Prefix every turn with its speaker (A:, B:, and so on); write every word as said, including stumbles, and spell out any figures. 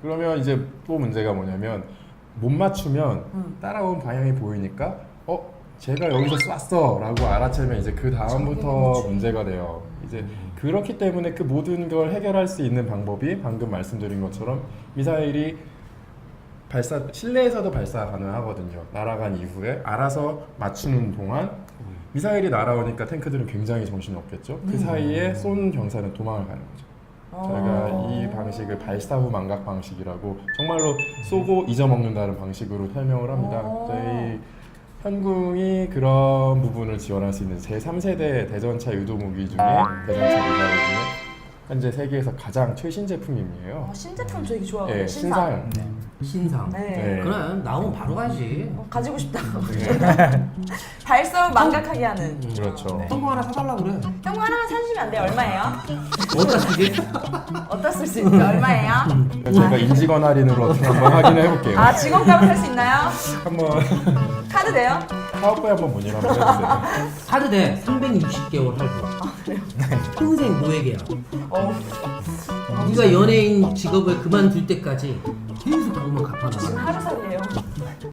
A: 그러면 이제 또 문제가 뭐냐면 못 맞추면
B: 음.
A: 따라온 방향이 보이니까 어? 제가 여기서 쐈어 라고 알아채면 이제 그 다음부터
B: 그렇지.
A: 문제가 돼요. 이제 그렇기 때문에 그 모든 걸 해결할 수 있는 방법이 방금 말씀드린 것처럼 미사일이 발사 실내에서도 발사 가능하거든요. 날아간 이후에 알아서 맞추는 동안 미사일이 날아오니까 탱크들은 굉장히 정신이 없겠죠. 그 사이에 쏜 병사는 도망을 가는 거죠. 저희가 이 방식을 발사 후 망각 방식이라고 정말로 쏘고 잊어먹는다는 방식으로 설명을 합니다.
B: 오.
A: 저희 현궁이 그런 부분을 지원할 수 있는 제삼 세대 대전차 유도 무기 중에 대전차 미사일 중에 현재 세계에서 가장 최신 제품이에요.
B: 어, 신제품 저 되게 좋아하거든요.
A: 네,
B: 신상.
A: 신상.
C: 신상.
B: 네.
A: 네.
C: 그래 나오면 바로 가지.
B: 어, 가지고 싶다.
A: 네.
B: 발사를 망각하게 하는.
C: 음.
A: 그렇죠.
C: 성공 하나 사달라 그래.
B: 형 하나만 사주시면 안 돼요? 얼마예요?
C: 어디다 쓰지?
B: 어디다 쓸 수 있죠? 얼마예요?
A: 제가 인직원 할인으로 어떻게 한번 확인해 볼게요.
B: 아 직원값을 살 수 있나요?
A: 한번
B: 카드 돼요?
A: 사업부에 한번 문의를 한번 해주세요.
C: 카드 대 삼백육십 개월 할부.
B: 아 그래요?
C: 평생 노예계야.
B: 어.
C: 네가 연예인 직업을 그만둘 때까지 계속 그것만
B: 지금
C: 갚아나가.
B: 하루살이에요.